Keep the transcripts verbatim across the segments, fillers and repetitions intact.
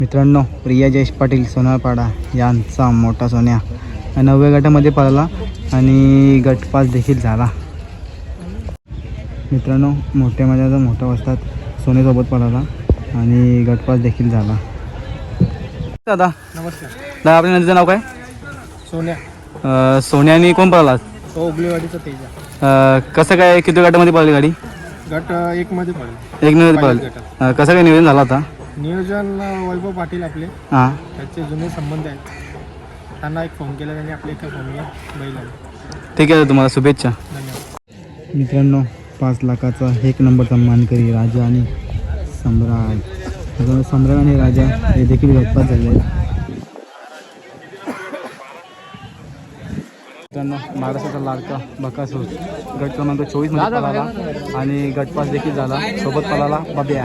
मित्रांनो, प्रिया जयेश पाटील सोनारपाडा यांचा मोठा सोन्या नवव्या गटामध्ये पळाला आणि गटपास देखील झाला. मित्रांनो, मोठ्या माझ्या मोठ्या अवस्थात सोन्यासोबत पळाला आणि गटपास देखील झाला. दादा नमस्कार. दादा, आपल्या नदीचं नाव काय? सोन्या. अं, सोन्याने कोण पळाला? ओगलेवाडीचं तेजा. अं, कसं काय, किती गटामध्ये पळाली गाडी? गट एक मध्ये पडले. एक मिनिट पळाली. अं, कसं काय नियोजन झाला होता? नियोजन वैभव पाटील आपले, हां, त्याचे जुने संबंध आहेत. त्यांना एक फोन केला, त्यांनी आपल्या एका फोनला बैल आला. ठीक आहे, तुम्हाला शुभेच्छा. धन्यवाद. मित्रांनो, पाच लाखाचा एक नंबरचा मानकरी राजा आणि सम्राट. त्याच्यामुळे सम्राट आणि राजा हे देखील गटपास झाले आहेत. मित्रांनो, महाराष्ट्राचा लाडका बकासूर गट क्रमांक चोवीस मध्ये पळाला आणि गटपास देखील झाला. सोबत पळाला बब्या.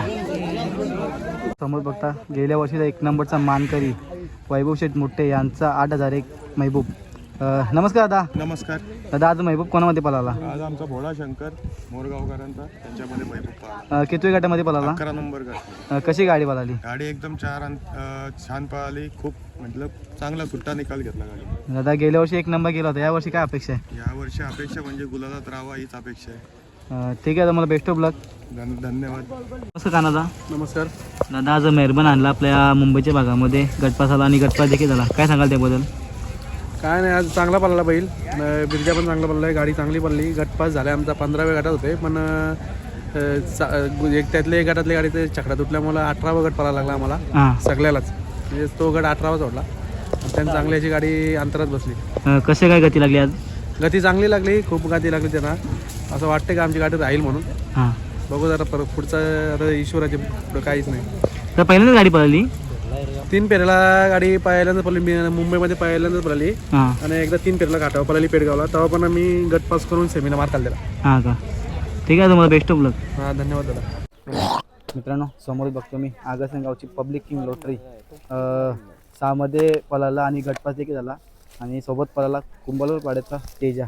समोर बघता गेल्या वर्षीचा एक नंबरचा मानकरी वैभव शेठ मोठे यांचा आठ हजार एक महबूब. अं, नमस्कार दादा. नमस्कार. दादा, आज महबूब कोणामध्ये पळाला? आज आमचा भोळा शंकर मोरगावकरांचा, त्यांच्यामध्ये महबूब पळाला. अं, कितव्या गटामध्ये पळाला? अकरा नंबर गट. अं, कशी गाडी पळाली? गाडी एकदम चार अं, छान पळाली. खूप मतलब चांगला सुट्टा निकाल घेतला गाडी. दादा, गेल्या वर्षी एक नंबर गेला होता, या वर्षी काय अपेक्षा आहे? या वर्षी अपेक्षा म्हणजे गुलालात राहावा हीच अपेक्षा आहे. अं, ठीक आहे, तुम्हाला बेस्ट ऑफ लक. धन धन्यवाद. कसं का दादा? नमस्कार. दादा, आज मेहरबान आणला आपल्या मुंबईच्या भागामध्ये, गटपास आला आणि गटपास देखील झाला. काय सांगाल त्याबद्दल? काय नाही, आज चांगला पडला बैल. बिरजा पण चांगला पडला आहे, गाडी चांगली पडली. गटपास झाला. आमचा पंधराव्या गटात होते, पण अं, चा- एक त्यातले एक गटातल्या गाडीचे छकडा तुटल्यामुळं अठरावा गट पडायला लागला आम्हाला हां, सगळ्यालाच. म्हणजे तो गट अठरावा सोडला. त्यांनी चांगली अशी गाडी अंतरात बसली. अं, कसे काय गती लागली आज? गती चांगली लागली, खूप गती लागली त्यांना. असं वाटतं की आमची गाडी राहील म्हणून. हां, बघू जरा परत पुढचं, आता ईश्वराचे पुढं काहीच नाही. तर पहिल्यांदाच गाडी पळाली? तीन पेरेला गाडी पहिल्यांदा पडली, मी मुंबईमध्ये पहिल्यांदाच पडली. हां, आणि एकदा तीन पेरेला घाटावर पडली पेडगावला. तेव्हा पण आम्ही गटपास करून सेमीला मार खाल्लेला. हां का? ठीक आहे, तुम्हाला बेस्ट ऑफ लक. हां, धन्यवाद दादा. मित्रांनो, समोर बघतो मी आगरसंगावची पब्लिक किंग लॉटरी सहामध्ये पळाला आणि गटपास देखील झाला आणि सोबत पळाला कुंभारवर पाड्याचा तेजा.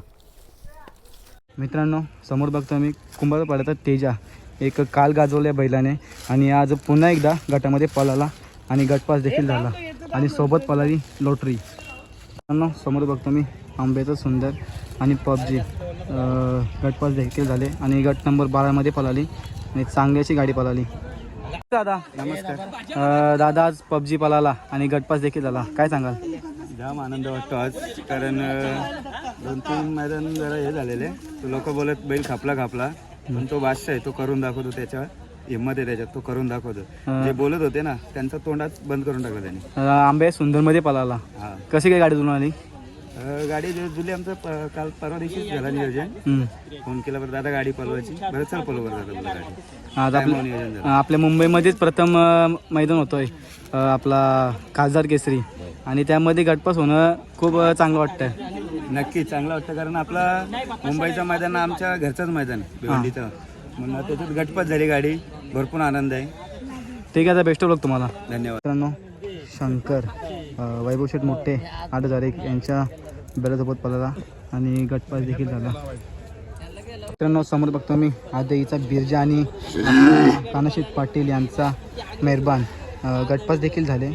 मित्रांनो, समोर बघतो मी कुंभारवर पाड्याचा तेजा एक काल गाजवल्या बैलाने आणि आज पुन्हा एकदा गटामध्ये पळाला आणि गटपास देखील झाला आणि सोबत पळाली लॉटरी. मित्रांनो, समोर बघतो मी आंब्याचं सुंदर आणि पबजी गटपास देखील झाले आणि गट नंबर बारामध्ये पळाली आणि चांगली अशी गाडी पळाली. दादा नमस्कार. दादा, आज पबजी पळाला आणि गटपास देखील झाला, काय सांगाल? जाम आनंद वाटतो आज, कारण दोन तीन मैदान जरा हे झालेले. तो लोक बोलत बैल खापला खापला, पण तो बादशाह आहे, तो करून दाखवतो. त्याच्या हिंमत आहे त्याच्यात, तो करून दाखवतो. जे बोलत होते ना, त्यांचा तोंडात बंद करून टाकला त्याने. आंबे सुंदरमध्ये पळाला. हा, कशी काय गाडी जुळून आली? गाडी जुली आमचं प- काल परवा दिवशीच झाला नियोजन. फोन केला, बरं दादा गाडी पळवायची, बरं चल पळव बरं दादा बोला गाडी. आज आपल्या नियोजन झालं. आपल्या मुंबईमध्येच प्रथम अं, मैदान होतोय अं, आपला खासदार केसरी आणि त्यामध्ये गटपास होणं खूप अं, चांगलं वाटतं. नक्की चांगलं वाटतं, कारण आपला मुंबईचं मैदान आमच्या घरचंच मैदान भिवंडीचं, म्हणून त्याच्यात गटपास झाली गाडी. भरपूर आनंद आहे. ठीक आहे, आता बेस्ट ऑफ लक तुम्हाला. धन्यवाद. मित्रांनो, शंकर अं, वैभव शेठ मोठे आठ हजार एक यांच्या बेलासोबत पळाला आणि गटपास देखील झाला. मित्रांनो, समोर बघतो मी आदईचा बिरजा आणि कानाशेठ पाटील यांचा मेहरबान अं, गटपास देखील झाले.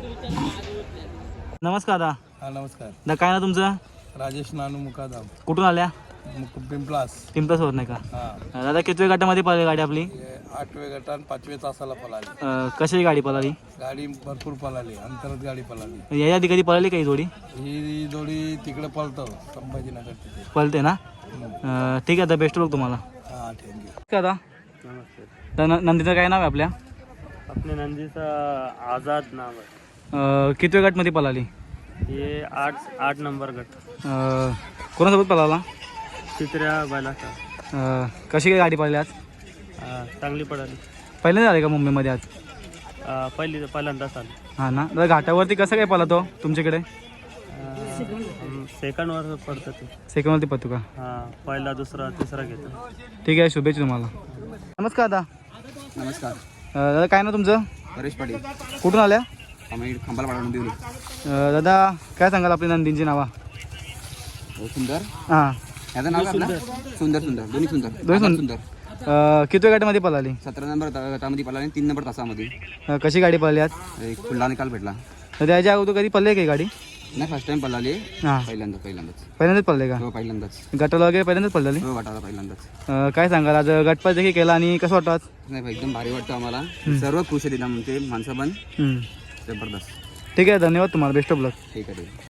नमस्कार दादा. हा, नमस्कार. दादा, काय ना तुमचं? राजेश नानू मुकादाम, कुठून आल्या? पिंपलास. पिंपळसवर नाही का? हा, दादा, कितव्या गटामध्ये पळाली गाडी आपली? आठव्या गटात पाचव्या तासाला पळाली. अं, कशी गाडी पळाली? गाडी भरपूर पळाली, अंतरात गाडी पळाली. याच्या आधी कधी पळाली काही जोडी? ही जोडी तिकडे पळतो संभाजीनगर तिथे. पळते ना? अं, ठीक आहे, आता बेस्ट ऑफ तुम्हाला. हा, थँक्यू. दादा, नमस्ते. तर न- नंदीचं काय नाव आहे आपल्या? आपल्या नंदीचं आझाद नाव आहे. अं, कितव्या गटमध्ये पळाली? हे आठ आठ नंबर गट. अं, कोणासोबत पळाला? चित्र्या बैलाचा. अं, कशी काय गाडी पळाली आज? चांगली पडाली. पहिल्यांदा आले का मुंबईमध्ये आज? पहिली पहिल्यांदाच आली. हां ना. दादा, घाटावरती कसं काय पळतो तुमच्याकडे? सेकंडवर पडतं ते. सेकंडवरती पळतो का? हां, पहिला दुसरा तिसरा घेतो. ठीक आहे, शुभेच्छा तुम्हाला. नमस्कार दादा. नमस्कार. अं, दादा, काय ना तुमचं? परेश पाटील, कुठून आल्या? आम्ही खंबाला पाडून देऊ. अं, दादा, काय सांगाल आपली नंदींची नावा? सुंदर, हां, याचं नाव काय आपलं? सुंदर सुंदर दोन्ही सुंदर दोन्ही सुंदर. सुंदर अं, किती गटामध्ये पळाली? सतरा नंबर गटामध्ये पळाली आणि तीन नंबर तासामध्ये अं, कशी गाडी पळाली आज? एक फुल्ला निकाल भेटला. तर त्याच्या अगोदर कधी पळली का ही गाडी? नाही फर्स्ट टाइम पळाली. हां, पहिल्यांदा पहिल्यांदाच पहिल्यांदाच पळले का? हो पहिल्यांदाच गटाला वगैरे पहिल्यांदाच पळाली? हो गटाला पहिल्यांदाच. अं, काय सांगाल आज गटपास देखील केला आणि कसं वाटतं आज? नाही भाई, एकदम भारी वाटतं आम्हाला. सर्व खुश आहे तिला, म्हणजे माणसं पण हम्म. जबरदस्त. ठीक आहे, धन्यवाद तुम्हाला, बेस्ट ऑफ लक. ठीक आहे ठीक आहे.